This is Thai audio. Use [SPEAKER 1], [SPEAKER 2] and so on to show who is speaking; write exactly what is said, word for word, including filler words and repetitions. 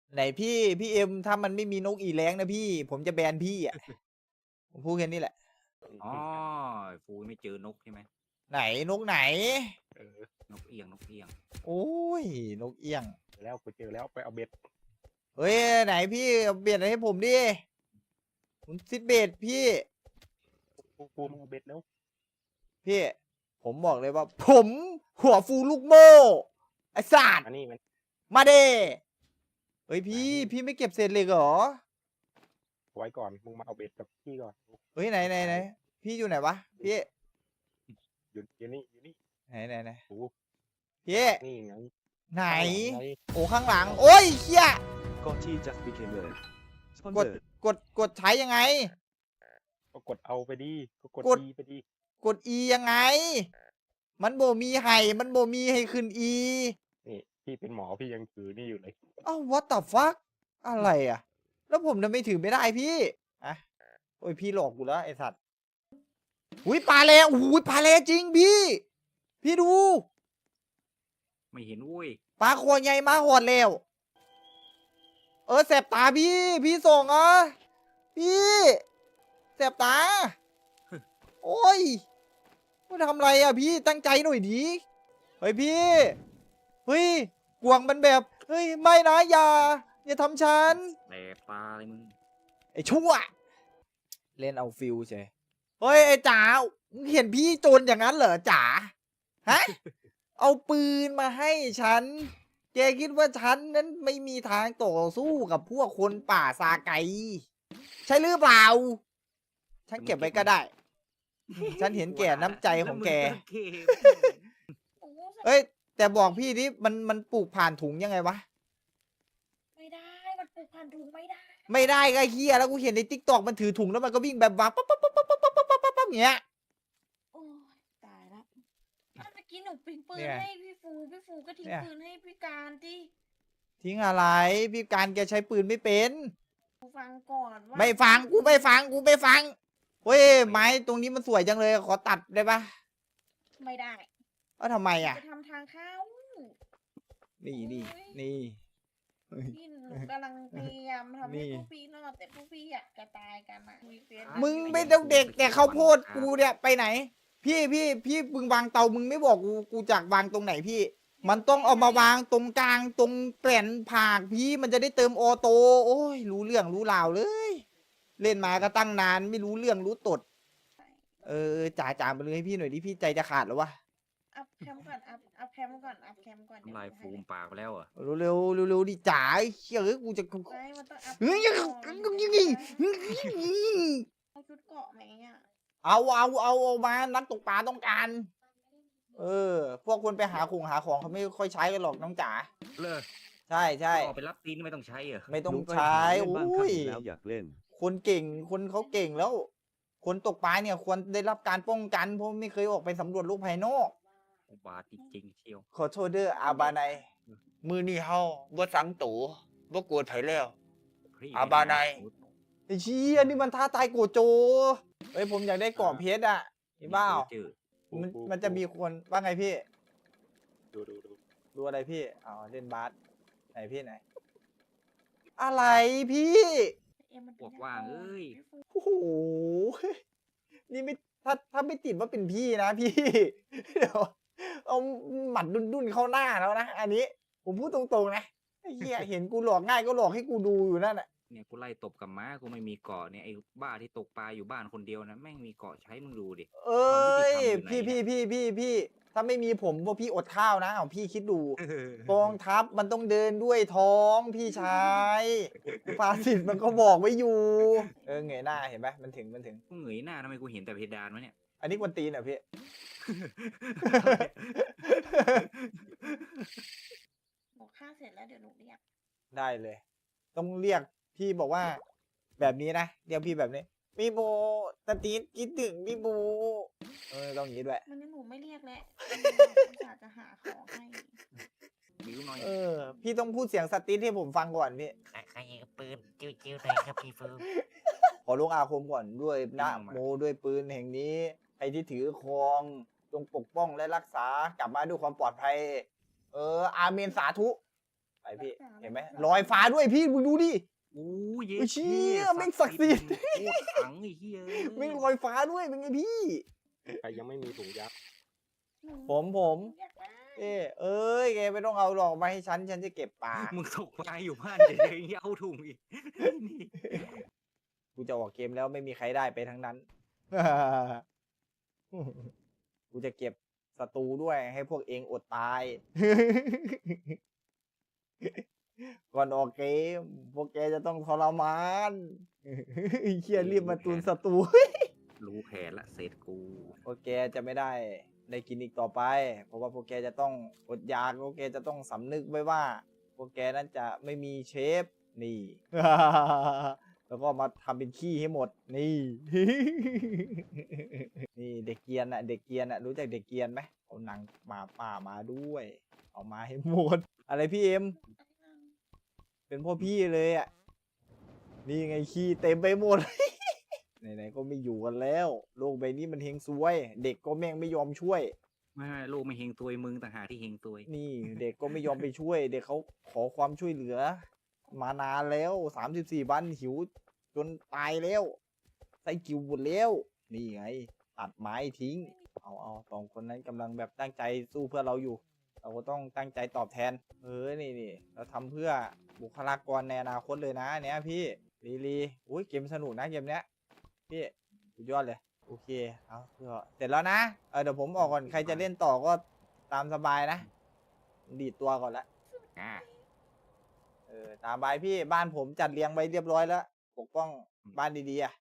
[SPEAKER 1] ไหนพี่พี่เอ็มถ้ามันไม่มีนกอีแรงนะพี่ ผมจะแบนพี่อ่ะ ผมพูดแค่นี้แหละ
[SPEAKER 2] อ๋อฟูไม่เจอนกใช่ไหม
[SPEAKER 1] ไหนนกไหน
[SPEAKER 3] เออน
[SPEAKER 2] กเอียงนกเอียง
[SPEAKER 1] โอ้ยนกเอี้ยง
[SPEAKER 3] เจอแล้วกูเจอแล้วไปเอาเบ็ด
[SPEAKER 1] เฮ้ยไหนพี่เอาเบียดอะไรให้ผมดิผมซิดเบดพี่
[SPEAKER 3] กูกูมึงเอาเบ็ดแล้ว
[SPEAKER 1] พี่ ผมบอกเลยว่า ผมหัวฟูลูกโม่ไอ้สัตว์
[SPEAKER 3] อันนี้มัน
[SPEAKER 1] มาเด้เฮ้ยพี่พี่ไม่เก็บเศษเหล็กเหรอ
[SPEAKER 3] ไว้ก่อนมึงมาเอาเบ็ดกับพี่ก่อน
[SPEAKER 1] เฮ้ยไหนไหนไหนพี่อยู่ไหนวะพี่
[SPEAKER 3] อยู่อยู่นี่อยู่นี่
[SPEAKER 1] ไหนไหนไหน
[SPEAKER 3] โอ้
[SPEAKER 1] พี่
[SPEAKER 3] นี่ไง
[SPEAKER 1] ไหน
[SPEAKER 3] ข้างลังไง
[SPEAKER 1] โอ้ข้างหลัง โอ้ยเฮีย
[SPEAKER 4] Gotti just became a
[SPEAKER 1] กด
[SPEAKER 4] sponsor.
[SPEAKER 1] กดกดใช้ยังไง
[SPEAKER 3] ก็กดเอาไปดีก็กด
[SPEAKER 1] กด
[SPEAKER 3] ดีไปดี
[SPEAKER 1] กด E ยังไง มันโบมีไห่มันโบมีให้ขึ้น E
[SPEAKER 3] นี่พี่เป็นหมอพี่ยังถือนี่อยู่เลย
[SPEAKER 1] อ้าว what the fuck อะไรอ่ะ แล้วผมทำไมถือไม่ได้พี่อะโอ้ยพี่หลอกกูแล้วไอสัตว์อุ้ยปลาแลอุ้ยปลาแลจริงพี่ พี่ดู
[SPEAKER 2] ไม่เห็นอุ้ย
[SPEAKER 1] ปลาคอใหญ่มาหอดแล้ว เออแสบตาพี่ พี่ส่งอ่ะพี่แสบตา โอ้ยมาทำอะไรอ่ะพี่ตั้งใจหน่อยดิเฮ้ยพี่ เฮ้ยกวางมันแบบ เฮ้ยไม่นะอย่า อย่าทำฉัน
[SPEAKER 2] แต่ปลาอะไรมึง
[SPEAKER 1] ไอ้ชั่ว เล่นเอาฟิลใช่เฮ้ยไอ้จ๋ามึงเห็นพี่โจรอย่างนั้นเหรอจ๋าฮะ เอาปืนมาให้ฉัน แกคิดว่าฉันนั้นไม่มีทางต่อสู้กับพวกคนป่าซาไก ใช่หรือเปล่า ฉันเก็บไว้ก็ได้ ฉันเห็นแก่น้ำใจของแก
[SPEAKER 2] ล้วมึเก็บ
[SPEAKER 1] เอ้ย แต่บอกพี่ดิมันมันปลูกผ่านถุงยังไงวะ
[SPEAKER 5] ไม่ได้ มันปลูกพันธุ์ถุงไม่ได้
[SPEAKER 1] ไม่ได้ก็เฮียแล้วกูเห็นในทิกตอกมันถือถุงแล้วมันก็วิ่งแบบวับปั๊บปั๊บปั๊บปั๊บปั๊บปั๊บปั๊บปั๊บอย่างเงี้ย
[SPEAKER 5] โอ้ยตายละถ้าเมื่อกี้หนูปิงปืน
[SPEAKER 1] เนี่ย
[SPEAKER 5] ให้พี่ฟู พี่ฟูก็ทิ้ง
[SPEAKER 1] เนี่ย
[SPEAKER 5] ปืนให้พี่การที่
[SPEAKER 1] ทิ้งอะไร พี่การแกใช้ปืนไม่เป็น
[SPEAKER 5] ฟังก่อนว่า
[SPEAKER 1] ไม่ฟังกูไม่ฟังกูไม่ฟังเฮ้ยไม้ตรงนี้มันสวยจังเลยขอตัดได้ปะ
[SPEAKER 5] ไม่ได้
[SPEAKER 1] ว่าทำไมอ่ะ
[SPEAKER 5] ไปทำทางเข้า
[SPEAKER 1] นี่นี่นี่
[SPEAKER 5] พี่หนูกำลังพยายามทำ
[SPEAKER 1] นี่
[SPEAKER 5] ให้พวกพี่รอดแต่พวกพี่อยากจะตายกันอ่ะมีเฟซ
[SPEAKER 1] มึงไม่ต้องเด็กแต่เขาวโพดกูเนี่ยไปไหน พี่พี่พี่มึงวางเตามึงไม่บอกกูกูจากวางตรงไหนพี่ มันต้องเอามาวางตรงกลางตรงแผ่นผากพี่มันจะได้เติมออโต้โอ้ยรู้เรื่องรู้ราวเลย เล่นมาก็ตั้งนานไม่รู้เรื่องรู้ตด เออจ่าจ่ามาเลยให้พี่หน่อยดิพี่ใจจะขาดแล้ววะ
[SPEAKER 5] อัพแคมก่อนอัพอัพแคมก่อนอัพแคมก่อน
[SPEAKER 2] น้ำลายฟูมปากไปแล้วเหรอ่ะ
[SPEAKER 1] เร็วเร็วเร็วเร็วดิจ๋าไอ้เชี่ยเอ้ยกูจะ
[SPEAKER 5] ไม่มันต้องอัพ
[SPEAKER 1] เฮ้ยยัง
[SPEAKER 5] ก่อน
[SPEAKER 1] ยังยังยัง
[SPEAKER 5] เอาชุดเกาะไหมอ่ะ
[SPEAKER 1] เอาเอาเอาเอามานักตกปลาต้องการ เออ พวกคนไปหาของหาของเขาไม่ค่อยใช้กันหรอกน้องจ๋า
[SPEAKER 2] เลย
[SPEAKER 1] ใช่ใช่
[SPEAKER 2] ออกไปรับตีนไม่ต้องใช้เหรอ
[SPEAKER 1] ไม่ต้อง
[SPEAKER 4] ลุงไป
[SPEAKER 1] ใช้
[SPEAKER 4] หาเล่นบ้าง
[SPEAKER 1] โอ้
[SPEAKER 4] ครับ
[SPEAKER 1] ย
[SPEAKER 4] แล้วอยากเล่น
[SPEAKER 1] คนเก่งคนเขาเก่งแล้ว คนตกปลาเนี่ยควรได้รับการป้องกันเพราะไม่เคยออกไปสำรวจโลกภายนอก
[SPEAKER 2] อุบาทจริงๆเชียว
[SPEAKER 1] ขอโทษเด้ออาบาไนมือนี่เฮาบ่สังตูบ่กลัวไผแล้ว
[SPEAKER 2] พี่
[SPEAKER 1] อ่ะบาไน ไอ้เชี่ยนี่มันท้าตายโกโจเฮ้ยผมอยากได้กรอบเพชรอ่ะนี่บ้า
[SPEAKER 2] เจอ
[SPEAKER 1] มันมันจะมีคนว่าไงพี่
[SPEAKER 3] ดูดูดู
[SPEAKER 1] ดูอะไรพี่อ๋อเล่นบาสไหนพี่ไหน อะไรพี่
[SPEAKER 5] เอ็มมัน
[SPEAKER 2] พวกว่างเอ้ย
[SPEAKER 5] พี่ฟู
[SPEAKER 1] โอ้โหนี่ไม่ถ้าถ้าไม่ติดว่าเป็นพี่นะพี่ เดี๋ยวเอาหมัดดุนๆเข้าหน้าแล้วนะอันนี้ ผมพูดตรงๆนะไอ้เหี้ยเห็นกูหลอกง่ายก็หลอกให้กูดูอยู่นั่นแหละ
[SPEAKER 2] เนี่ยกูไล่ตบกับม้ากูไม่มีเกาะเนี่ยไอ้บ้าที่ตกปลาอยู่บ้านคนเดียวนะแม่งมีเกาะใช้มึงดูดิ
[SPEAKER 1] เอ้ย
[SPEAKER 2] ความยุติธรรมอยู่ไหน
[SPEAKER 1] พี่พี่พี่พี่พี่ถ้าไม่มีผมพวกพี่อดข้าวนะเอาพี่คิดดู กองทัพมันต้องเดินด้วยท้องพี่ชายภาษิตมันก็บอกไว้อยู่ เออเงยหน้าเห็นไหมมันถึงมันถึง
[SPEAKER 2] กูเหงยหน้าทำไมกูเห็นแต่เพดานวะเนี่ย
[SPEAKER 1] อันนี้กวนตีนเหรอพี่
[SPEAKER 5] หนูฆ่าเสร็จแล้วเดี๋ยวหนูเรียก
[SPEAKER 1] ได้เลย ต้องเรียกพี่บอกว่า แบบนี้นะเรียกพี่แบบนี้พี่โบตาตีนคิดถึงพี่โบเออต้องอย่างนี้ด้วย
[SPEAKER 5] มันงั้นหนูไม่เรียกแล้วอุตส่าห์จะหาของให้
[SPEAKER 2] บิ้วหน่อย
[SPEAKER 1] เออ พี่ต้องพูดเสียงสตีนให้ผมฟังก่อนพี่
[SPEAKER 6] ใครใครยิงปืนจิ้วๆหน่อยครับพี่ฟู
[SPEAKER 1] ขอลงอาคมก่อนด้วยนะโมด้วยปืนแห่งนี้ใครที่ถือครองจงปกป้องและรักษากลับมาด้วยความปลอดภัย เออ อาเมนสาธุไปพี่เห็นไหมลอยฟ้าด้วยพี่มึงดูดิ
[SPEAKER 2] โอ้ยเย้
[SPEAKER 1] เฮ้ยเชี่ยแม่งศักดิ์สิทธิ์
[SPEAKER 2] โคตรขังไอ้เหี้ย
[SPEAKER 1] ไม่งลอยฟ้าด้วยเป็นไงพี่
[SPEAKER 3] ใครยังไม่มีถุงยับ
[SPEAKER 1] ผมผม
[SPEAKER 5] อยากได้
[SPEAKER 1] เอ้เอ้ยแกไม่ต้องเอาหรอกมาให้ฉันฉันจะเก็บปลา
[SPEAKER 2] มึงตกปลาอยู่บ้านเฉยๆเอาถุงอีกนี่
[SPEAKER 1] กูจะออกเกมแล้วไม่มีใครได้ไปทั้งนั้น กูจะเก็บศัตรูด้วยให้พวกเองอดตาย ก่อนออกเกม พวกแกจะต้องทรมาน ไอ้เคียรีบมาตุนศัตรู
[SPEAKER 2] รู้แผนละเสร็จกู
[SPEAKER 1] พวกแกจะไม่ได้ได้กินอีกต่อไป เพราะว่าพวกแกจะต้องอดอยากพวกแกจะต้องสำนึกไว้ว่า พวกแกนั้นจะไม่มีเชฟนี่ แล้วก็มาทำเป็นขี้ให้หมดนี่ นี่เด็กเกรียนอะเด็กเกรียนอะรู้จักเด็กเกรียนไหมเอาหนังหมาป่ามาด้วย เอามาให้หมด อะไรพี่เอ็ม เป็นพ่อพี่เลยอะนี่ไงขี้เต็มไปหมด ไหนๆก็ไม่อยู่กันแล้ว โลกใบนี้มันเฮงซวย เด็กก็แม่งไม่ยอมช่วย
[SPEAKER 2] ไม่ไม่ลูกไม่เฮงตัวยมึงต่างหากที่เฮงตัวย
[SPEAKER 1] นี่เด็กก็ไม่ยอมไปช่วย เด็กเขาขอความช่วยเหลือ มานานแล้วสามสิบสี่วันหิว จนตายแล้วไส้กิวหมดแล้ว นี่ไง ตัดไม้ทิ้ง เอาเอาสองคนนั้นกำลังแบบตั้งใจสู้เพื่อเราอยู่ เราก็ต้องตั้งใจตอบแทน เออนี่นี่เราทำเพื่อบุคลากรในอนาคตเลยนะเนี้ยพี่ลีลีอุ้ยเกมสนุกนะเกมเนี้ยพี่สุดยอดเลย โอเคเอาเพื่อเสร็จแล้วนะเออเดี๋ยวผมออกก่อนใครจะเล่นต่อก็ตามสบายนะดีดตัวก่อนละ
[SPEAKER 2] อ่า
[SPEAKER 1] เออตามบายพี่บ้านผมจัดเรียงไว้เรียบร้อยแล้วปกป้องบ้านดีๆอ่ะ